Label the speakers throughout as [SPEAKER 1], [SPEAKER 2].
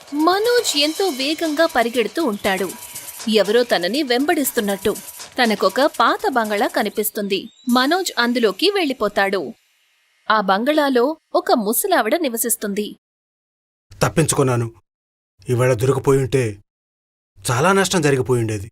[SPEAKER 1] మనోజ్ ఎంతో వేగంగా పరిగెడుతూ ఉంటాడు. ఎవరో తనని వెంబడిస్తున్నట్టు. తనకొక పాత బంగళా కనిపిస్తుంది. మనోజ్ అందులోకి వెళ్ళిపోతాడు. ఆ బంగళాలో ఒక ముసలావిడ నివసిస్తుంది.
[SPEAKER 2] తప్పించుకున్నాను. ఇవాళ దొరికిపోయుంటే చాలా నష్టం జరిగిపోయిండేది.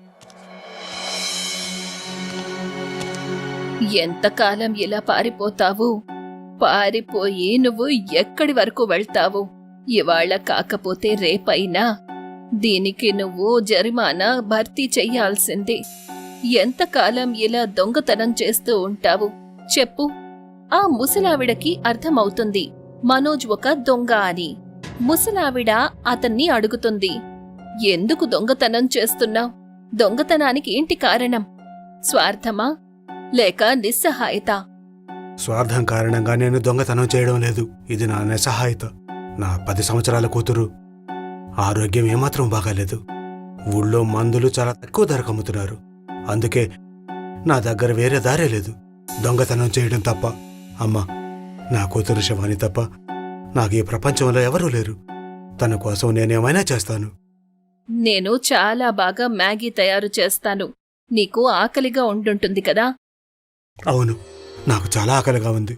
[SPEAKER 1] ఎంతకాలం ఇలా పారిపోతావు? పారిపోయి నువ్వు ఎక్కడి వరకు వెళ్తావు? ఇవాళ కాకపోతే రేపైనా దీనికి నువ్వు జరిమానా భర్తీ చెయ్యాల్సిందే. ఎంతకాలం ఇలా దొంగతనం చేస్తూ ఉంటావు? చెప్పు. ఆ ముసలావిడకి అర్థమవుతుంది మనోజ్ ఒక దొంగ అని. ముసలావిడ అతన్ని అడుగుతుంది, ఎందుకు దొంగతనం చేస్తున్నావు? దొంగతనానికి ఏంటి కారణం? స్వార్థమా లేక నిస్సహాయత?
[SPEAKER 2] స్వార్థం కారణంగా నేను దొంగతనం చేయడం లేదు. ఇది నా నిస్సహాయత. నా 10 సంవత్సరాల కూతురు ఆరోగ్యం ఏమాత్రం బాగాలేదు. ఊళ్ళో మందులు చాలా తక్కువ ధరకు అమ్ముతున్నారు. అందుకే నా దగ్గర వేరే దారే లేదు, దొంగతనం చేయడం తప్ప. అమ్మా, నా కూతురు శివాని తప్ప నాకు ఈ ప్రపంచంలో ఎవరూ లేరు. తన కోసం నేనేమైనా చేస్తాను.
[SPEAKER 1] నేను చాలా బాగా మ్యాగీ తయారు చేస్తాను. నీకు ఆకలిగా ఉండుంటుంది కదా?
[SPEAKER 2] అవును, నాకు చాలా ఆకలిగా ఉంది.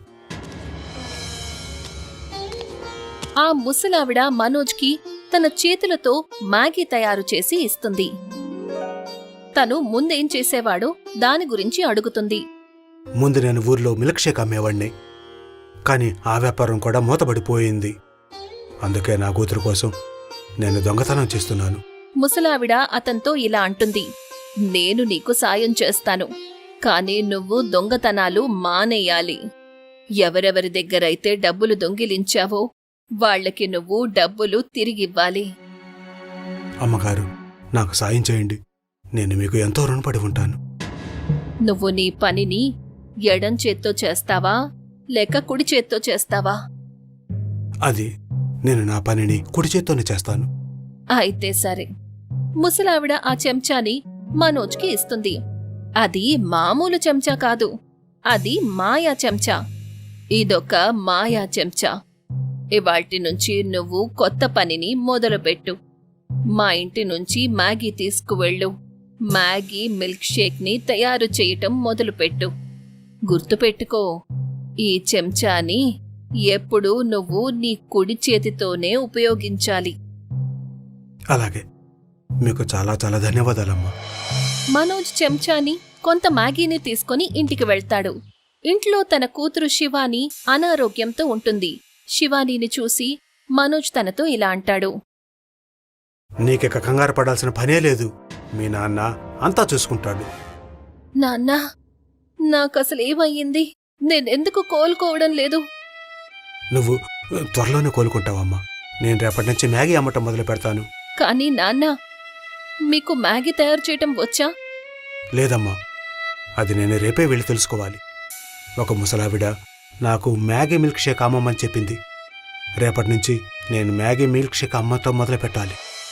[SPEAKER 1] ఆ ముసలావిడ మనోజ్కి తన చేతులతో మ్యాగీ తయారు చేసి ఇస్తుంది. తను ముందేం చేసేవాడో దాని గురించి అడుగుతుంది.
[SPEAKER 2] ముందు నేను ఊర్లో మిల్క్ షేక్ అమ్మేవాణ్ణి, కానీ ఆ వ్యాపారం కూడా మూతపడిపోయింది. అందుకే నా కూతురు కోసం నేను దొంగతనం చేస్తున్నాను.
[SPEAKER 1] ముసలావిడ అతనితో ఇలా అంటుంది, నేను నీకు సాయం చేస్తాను, కానీ నువ్వు దొంగతనాలు మానేయాలి. ఎవరెవరి దగ్గరైతే డబ్బులు దొంగిలించావో వాళ్లకి నువ్వు డబ్బులు తిరిగివ్వాలి.
[SPEAKER 2] అమ్మగారు, నాకు సాయం చేయండి. నేను మీకు ఎంతో రుణపడి ఉంటాను.
[SPEAKER 1] నువ్వు నీ పనిని ఎడం చేత్తో చేస్తావా లేక కుడి చేత్తో చేస్తావా?
[SPEAKER 2] అది నేను నా పనిని కుడి చేత్తోనే చేస్తాను.
[SPEAKER 1] అయితే సరే. ముసలావిడ ఆ చెంచాని మనోజ్కి ఇస్తుంది. అది మామూలు చెంచా కాదు, అది మాయా చెంచా. ఇదొక మాయా చెంచా. ఇవాల్టి నుంచి నువ్వు కొత్త పనిని మొదలుపెట్టు. మా ఇంటి నుంచి మ్యాగీ తీసుకువెళ్ళు. మ్యాగీ మిల్క్ షేక్ ని తయారు చేయటం మొదలుపెట్టు. గుర్తుపెట్టుకో, ఈ చెంచాని ఎప్పుడూ నువ్వు నీ కుడి చేతితోనే ఉపయోగించాలి.
[SPEAKER 2] అలాగే. మీకు చాలా చాలా ధన్యవాదాలమ్మా.
[SPEAKER 1] మనోజ్ చెంచాని కొంత మ్యాగీని తీసుకుని ఇంటికి వెళ్తాడు. ఇంట్లో తన కూతురు శివాని అనారోగ్యంతో ఉంటుంది. శివానీని చూసి మనోజ్ తనతో ఇలా అంటాడు,
[SPEAKER 2] నీకిక కంగారు పడాల్సిన పనే లేదు. మీ నాన్న అంతా చూసుకుంటాడు.
[SPEAKER 1] నాన్నా, నాకసలేమయ్యింది? నేనెందుకు కోలుకోవడం లేదు?
[SPEAKER 2] నువ్వు త్వరలోనే కోలుకుంటావమ్మా. నేను రేపటి నుంచి మ్యాగీ అమ్మటం మొదలు పెడతాను.
[SPEAKER 1] కానీ నాన్నా, మీకు మ్యాగీ తయారు చేయటం వచ్చా?
[SPEAKER 2] లేదమ్మా, అది నేను రేపే వెళ్ళి తెలుసుకోవాలి. ఒక ముసలావిడ నాకు మ్యాగీ మిల్క్ షేక్ అమ్మమని చెప్పింది. రేపటి నుంచి నేను మ్యాగీ మిల్క్ షేక్ అమ్మటం మొదలు పెట్టాలి.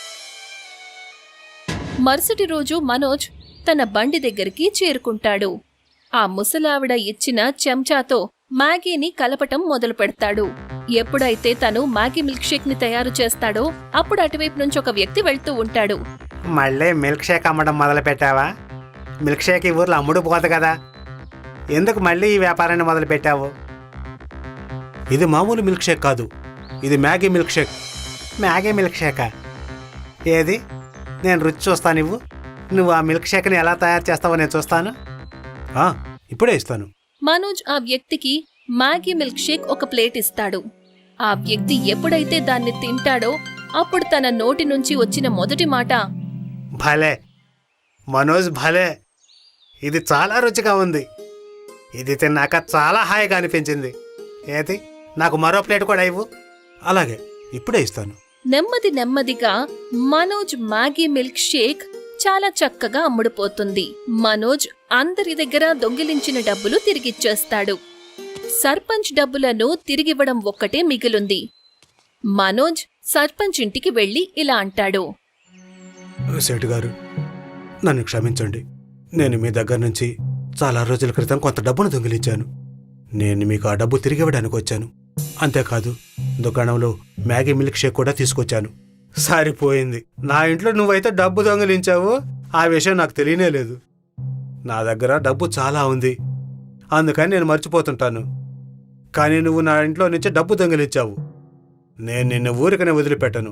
[SPEAKER 1] మరుసటి రోజు మనోజ్ తన బండి దగ్గరికి చేరుకుంటాడు. ఆ ముసలావిడ ఇచ్చిన చెంచాతో మ్యాగీని కలపటం మొదలు పెడతాడు. ఎప్పుడైతే తను మ్యాగీ మిల్క్ షేక్ ని తయారు చేస్తాడో అప్పుడు అటువైపు నుంచి ఒక వ్యక్తి వెళ్తూ ఉంటాడు.
[SPEAKER 2] మళ్ళీ మిల్క్ షేక్ అమ్మడం మొదలు పెట్టావా? మిల్క్ షేక్ ఈ ఊర్లో అమ్ముడు పోదు కదా, ఎందుకు మళ్ళీ ఈ వ్యాపారాన్ని మొదలు పెట్టావు? ఇది మామూలు మిల్క్ షేక్ కాదు, ఇది Maggi milk shake. Maggi milk షేకా? ఏది? నేను రుచి చూస్తాను. నువ్వు ఆ మిల్క్ షేక్ని ఎలా తయారు చేస్తావో నేను చూస్తాను. ఇప్పుడే ఇస్తాను.
[SPEAKER 1] మనోజ్ ఆ వ్యక్తికి మ్యాగీ మిల్క్ షేక్ ఒక ప్లేట్ ఇస్తాడు. ఆ వ్యక్తి ఎప్పుడైతే దాన్ని తింటాడో అప్పుడు తన నోటి నుంచి వచ్చిన మొదటి మాట,
[SPEAKER 2] భలే మనోజ్, భలే, ఇది చాలా రుచిగా ఉంది. ఇది తిన్నాక చాలా హాయిగా అనిపించింది. ఏది, నాకు మరో ప్లేట్ కూడా ఇవ్వు. అలాగే, ఇప్పుడే ఇస్తాను.
[SPEAKER 1] నెమ్మది నెమ్మదిగా మనోజ్ మ్యాగీ మిల్క్ షేక్ చాలా చక్కగా అమ్ముడుపోతుంది. మనోజ్ అందరి దగ్గర దొంగిలించిన డబ్బులు తిరిగిచ్చేస్తాడు. సర్పంచ్ డబ్బులను తిరిగివ్వడం ఒక్కటే మిగిలుంది. మనోజ్ సర్పంచ్ ఇంటికి వెళ్లి ఇలా అంటాడు,
[SPEAKER 2] సేటు గారు, నన్ను క్షమించండి. నేను మీ దగ్గర నుంచి చాలా రోజుల క్రితం కొంత డబ్బును దొంగిలించాను. నేను మీకు ఆ డబ్బు తిరిగివ్వడానికి వచ్చాను. అంతేకాదు, దుకాణంలో మ్యాగీ మిల్క్ షేక్ కూడా తీసుకొచ్చాను. సరిపోయింది. నా ఇంట్లో నువ్వైతే డబ్బు దొంగిలించావు, ఆ విషయం నాకు తెలియనే లేదు. నా దగ్గర డబ్బు చాలా ఉంది, అందుకని నేను మర్చిపోతుంటాను. కానీ నువ్వు నా ఇంట్లో నుంచి డబ్బు దొంగిలించావు. నేను నిన్ను ఊరికనే వదిలిపెట్టను.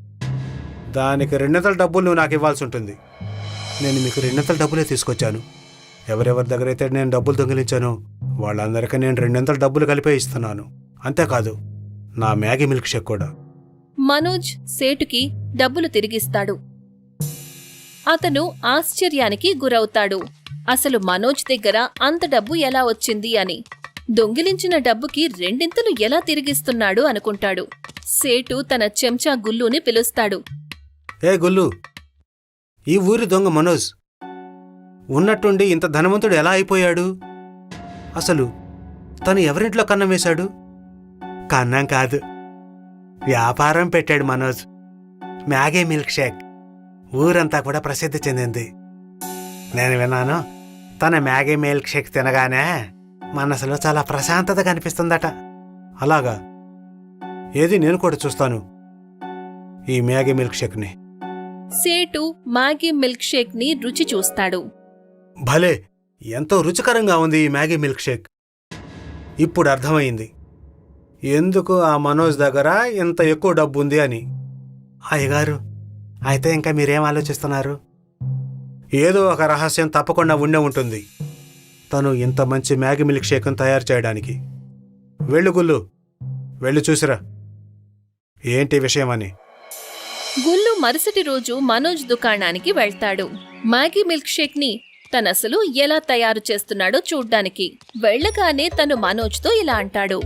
[SPEAKER 2] దానికి రెండింతల డబ్బులు నువ్వు నాకు ఇవ్వాల్సి ఉంటుంది. నేను మీకు రెండింతల డబ్బులే తీసుకొచ్చాను. ఎవరెవరి దగ్గర అయితే నేను డబ్బులు దొంగిలించానో వాళ్ళందరికీ నేను రెండింతల డబ్బులు కలిపే ఇస్తున్నాను. అంతేకాదు, నా మ్యాగీ మిల్క్ షేక్ కూడా.
[SPEAKER 1] మనోజ్ సేటుకి డబ్బులు తిరిగిస్తాడు. అతను ఆశ్చర్యానికి గురవుతాడు. అసలు మనోజ్ దగ్గర అంత డబ్బు ఎలా వచ్చింది అని. దొంగిలించిన డబ్బుకి రెండింతలు ఎలా తిరిగిస్తున్నాడు అనుకుంటాడు. సేటు తన చెంచా గుల్లుని పిలుస్తాడు.
[SPEAKER 2] ఏ గుల్లు, ఈ ఊరి దొంగ మనోజ్ ఉన్నట్టుండి ఇంత ధనవంతుడు ఎలా అయిపోయాడు? అసలు తను ఎవరింట్లో కన్నం వేశాడు? కన్నం కాదు, వ్యాపారం పెట్టాడు మనోజ్. మ్యాగీ మిల్క్ షేక్ ఊరంతా కూడా ప్రసిద్ధి చెందింది. నేను విన్నాను, తన మ్యాగీ మిల్క్ షేక్ తినగానే మనసులో చాలా ప్రశాంతత కనిపిస్తుందట. అలాగా? ఏది, నేను కూడా చూస్తాను ఈ మ్యాగీ మిల్క్ షేక్ని.
[SPEAKER 1] సేటు మ్యాగీ మిల్క్ షేక్ ని రుచి చూస్తాడు.
[SPEAKER 2] భలే, ఎంతో రుచికరంగా ఉంది ఈ మ్యాగీ మిల్క్ షేక్. ఇప్పుడు అర్థమైంది ఎందుకు ఆ మనోజ్ దగ్గర ఇంత ఎక్కువ డబ్బు ఉంది అని. అయ్యగారు, అయితే ఇంకా మీరేం ఆలోచిస్తున్నారు? ఏదో ఒక రహస్యం తప్పకుండా ఉండే ఉంటుంది తను ఇంత మంచి మ్యాగీ మిల్క్ షేక్ను తయారు చేయడానికి. వెళ్ళు గుల్లు, వెళ్ళి చూసిరా ఏంటి విషయం అని.
[SPEAKER 1] గుల్లు మరుసటి రోజు మనోజ్ దుకాణానికి వెళ్తాడు. మ్యాగీ మిల్క్ షేక్ ని తనసలు ఎలా తయారు చేస్తున్నాడో చూడ్డానికి. వెళ్ళగానే తను మనోజ్తో ఇలా అంటాడు.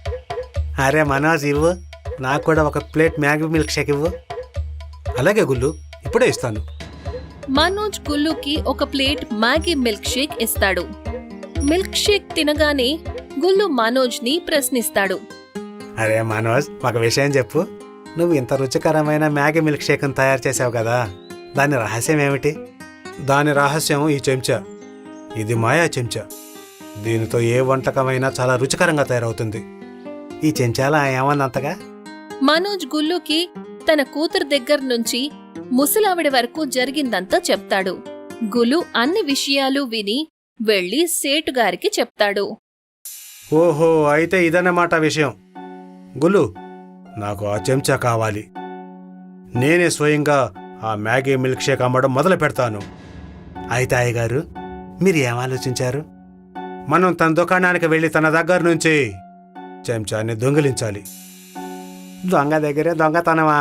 [SPEAKER 2] అరే మనోజ్, ఇవ్వు, నాకు కూడా ఒక ప్లేట్ మ్యాగీ మిల్క్ షేక్ ఇవ్వు. అలాగే గుల్లు, ఇప్పుడే ఇస్తాను.
[SPEAKER 1] మనోజ్ గుల్లుకి ఒక ప్లేట్ మ్యాగీ మిల్క్ షేక్ ఇస్తాడు. మిల్క్ షేక్ తినగానే గుల్లు మనోజ్ ని ప్రశ్నిస్తాడు.
[SPEAKER 2] అరే మనోజ్, ఒక విషయం చెప్పు. నువ్వు ఇంత రుచికరమైన మ్యాగీ మిల్క్ షేక్ను తయారు చేసావు కదా, దాని రహస్యం ఏమిటి? దాని రహస్యం ఈ చెంచా. ఇది మాయా చెంచా. దీనితో ఏ వంటకమైనా చాలా రుచికరంగా తయారవుతుంది. ఈ చెంచాలా ఏమన్నంతగా?
[SPEAKER 1] మనోజ్ గుల్లుకి తన కూతురు దగ్గర నుంచి ముసలావిడ వరకు జరిగిందంతా చెప్తాడు. గులు అన్ని విషయాలు విని వెళ్లి సేటుగారికి చెప్తాడు.
[SPEAKER 2] ఓహో, అయితే ఇదన్నమాట విషయం. గులు, నాకు ఆ చెంచా కావాలి. నేనే స్వయంగా ఆ మ్యాగీ మిల్క్ షేక్ అమ్మడం మొదలు పెడతాను. అయితే అయ్యగారు, మీరు ఏం ఆలోచించారు? మనం తన దుకాణానికి వెళ్ళి తన దగ్గర నుంచి చెంచాన్ని దొంగిలించాలి. దొంగ దగ్గరే దొంగతనమా?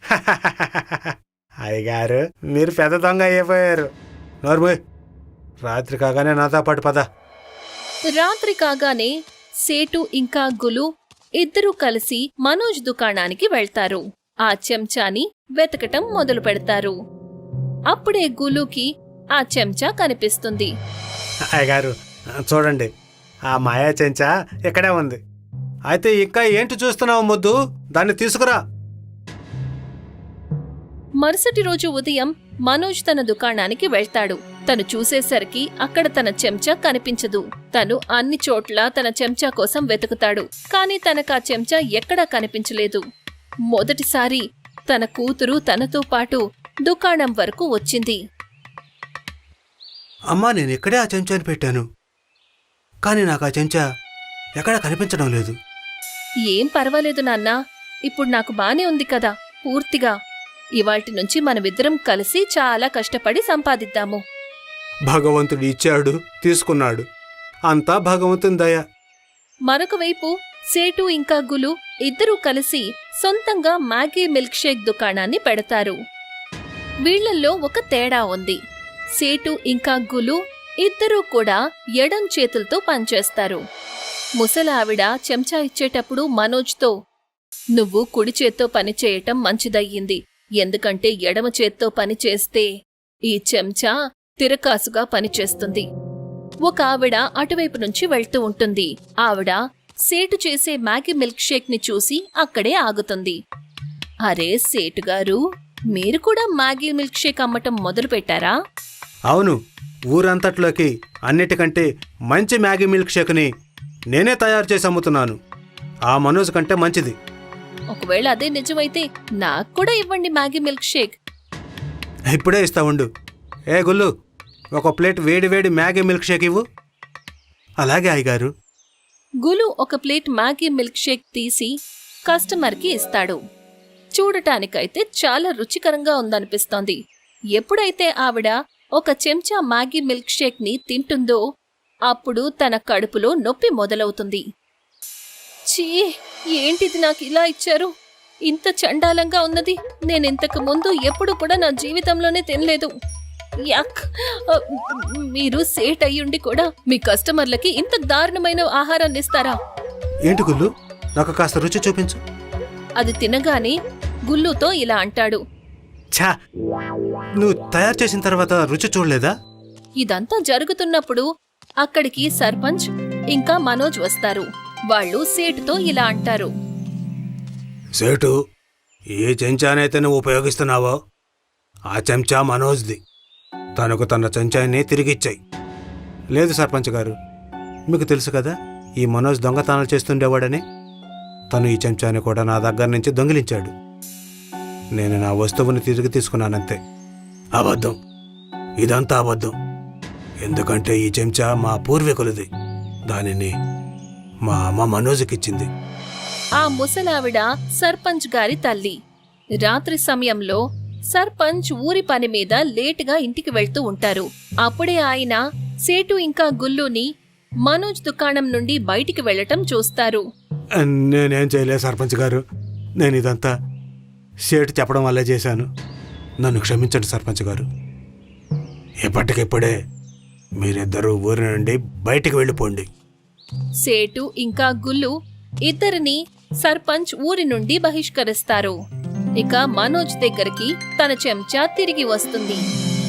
[SPEAKER 2] అయ్యగారు, మీరు పెద్ద దొంగ అయిపోయారు. నోర్మోయ్, రాత్రి కాగానే నాతో పాటు పద.
[SPEAKER 1] రాత్రి కాగానే సేటు ఇంకా గులు ఇద్దరూ కలిసి మనోజ్ దుకాణానికి వెళ్తారు. ఆ చెంచాని వెతకటం మొదలు పెడతారు. అప్పుడే గులుకి ఆ చెంచా కనిపిస్తుంది.
[SPEAKER 2] అయ్యగారు, చూడండి, ఆ మాయా చెంచా ఇక్కడే ఉంది. అయితే ఇంకా ఏంటి చూస్తున్నావు ముద్దు? దాన్ని తీసుకురా.
[SPEAKER 1] మరుసటి రోజు ఉదయం మనోజ్ తన దుకాణానికి వెళ్తాడు. తను చూసేసరికి అక్కడ తన చెంచా కనిపించదు. తను అన్ని చోట్ల తన చెంచా కోసం వెతుకుతాడు. కాని తనకా చెంచా ఎక్కడా కనిపించలేదు. మొదటిసారి తన కూతురు తనతో పాటు దుకాణం వరకు వచ్చింది.
[SPEAKER 2] అమ్మా, నేను ఇక్కడే ఆ చెంచాని పెట్టాను, కానీ నాకు ఆ చెంచా ఎక్కడా కనిపించడం లేదు.
[SPEAKER 1] ఏం పర్వాలేదు నాన్నా, ఇప్పుడు నాకు బానే ఉంది కదా పూర్తిగా. ఇవాల్టి నుంచి మనమిద్దరం కలిసి చాలా కష్టపడి సంపాదిద్దాము.
[SPEAKER 2] భగవంతుడు ఇచ్చాడు, తీసుకున్నాడు, అంతా భగవంతుని దయ.
[SPEAKER 1] మరొక వైపు సేటు ఇంకా గులు ఇద్దరూ కలిసి సొంతంగా మ్యాగీ మిల్క్ షేక్ దుకాణాన్ని పెడతారు. వీళ్లల్లో ఒక తేడా ఉంది. సేటు ఇంకా గులు ఇద్దరూ కూడా ఎడం చేతులతో పనిచేస్తారు. ముసలావిడ చెంచా ఇచ్చేటప్పుడు మనోజ్తో, నువ్వు కుడి చేత్తో పనిచేయటం మంచిదయ్యింది. ఎందుకంటే ఎడమ చేత్తో పనిచేస్తే ఈ చెంచా తిరకాసుగా పనిచేస్తుంది. ఒక ఆవిడ అటువైపు నుంచి వెళ్తూ ఉంటుంది. ఆవిడ సేటు చేసే మ్యాగీ మిల్క్ షేక్ ని చూసి అక్కడే ఆగుతుంది. అరే సేటుగారు, మీరు కూడా మ్యాగీ మిల్క్ షేక్ అమ్మటం మొదలు పెట్టారా?
[SPEAKER 2] అవును, ఊరంతట్లోకి అన్నిటికంటే మంచి మ్యాగీ మిల్క్ షేక్ని నేనే తయారు చేసి అమ్ముతున్నాను. ఆ మనోజ్ కంటే మంచిది.
[SPEAKER 1] ఒకవేళ అదే నిజమైతే నాకు కూడా ఇవ్వండి మ్యాగీ మిల్క్ షేక్.
[SPEAKER 2] ఇప్పుడే ఇస్తా ఉండు. ఏ గుల్లు, ఒక ప్లేట్ వేడి వేడి మ్యాగీ మిల్క్ షేక్ ఇవ్వు. అలాగే అయ్యగారు.
[SPEAKER 1] గులు ఒక ప్లేట్ మ్యాగీ మిల్క్ షేక్ తీసి కస్టమర్కి ఇస్తాడు. చూడటానికైతే చాలా రుచికరంగా ఉందనిపిస్తోంది. ఎప్పుడైతే ఆవిడ ఒక చెంచా మ్యాగీ మిల్క్ షేక్ ని తింటుందో అప్పుడు తన కడుపులో నొప్పి మొదలవుతుంది. ఛీ, ఏంటిది నాకు ఇలా ఇచ్చారు? ఇంత చండాలంగా ఉన్నది నేనింతకు ముందు ఎప్పుడు కూడా నా జీవితంలోనే తినలేదు. యక్! మీరు సేట్ అయ్యుండి కూడా మీ కస్టమర్లకి ఇంత దారుణమైన ఆహారాన్ని ఇస్తారా?
[SPEAKER 2] ఏంటి గుల్లు, నాకు కాస్త రుచి చూపించు.
[SPEAKER 1] అది తినగానే గుల్లుతో ఇలా అంటాడు.
[SPEAKER 2] ఛా, నువ్వు తయారు చేసిన తర్వాత రుచి చూడలేదా?
[SPEAKER 1] ఇదంతా జరుగుతున్నప్పుడు అక్కడికి సర్పంచ్ ఇంకా మనోజ్ వస్తారు. వాళ్ళు సేటుతో ఇలా అంటారు.
[SPEAKER 2] సేటు, ఏ చెంచానైతే నువ్వు ఉపయోగిస్తున్నావో ఆ చెంచా మనోజ్ది. తనకు తన చెంచాన్ని తిరిగిచ్చాయి. లేదు సర్పంచ్ గారు, మీకు తెలుసు కదా ఈ మనోజ్ దొంగతనాలు చేస్తుండేవాడని. తను ఈ చెంచాని కూడా నా దగ్గర నుంచి దొంగిలించాడు. నేను నా వస్తువుని తిరిగి తీసుకున్నానంతే. అబద్ధం, ఇదంతా అబద్ధం. ఎందుకంటే ఈ చెంచా మా పూర్వీకులది. దానిని మా అమ్మ మనోజ్కిచ్చింది.
[SPEAKER 1] ఆ ముసలావిడ సర్పంచ్ గారి తల్లి. రాత్రి సమయంలో సర్పంచ్ ఊరి పని మీద లేటుగా ఇంటికి వెళ్తూ ఉంటారు. అప్పుడే ఆయన సేటు ఇంకా గుల్లుని మనోజ్ దుకాణం నుండి బయటికి వెళ్లటం చూస్తారు.
[SPEAKER 2] నేనేం చేయలేదు సర్పంచ్ గారు. నేను ఇదంతా సేటు చెప్పడం వల్లే చేశాను. నన్ను క్షమించండి సర్పంచ్ గారు. ఎప్పటికిప్పుడే మీరిద్దరూ ఊరి నుండి బయటికి వెళ్ళిపోండి.
[SPEAKER 1] సేటు ఇంకా గుల్లు ఇద్దరిని సర్పంచ్ ఊరి నుండి బహిష్కరిస్తారు. ఇక మనోజ్ దగ్గరికి తన చెంచా తిరిగి వస్తుంది.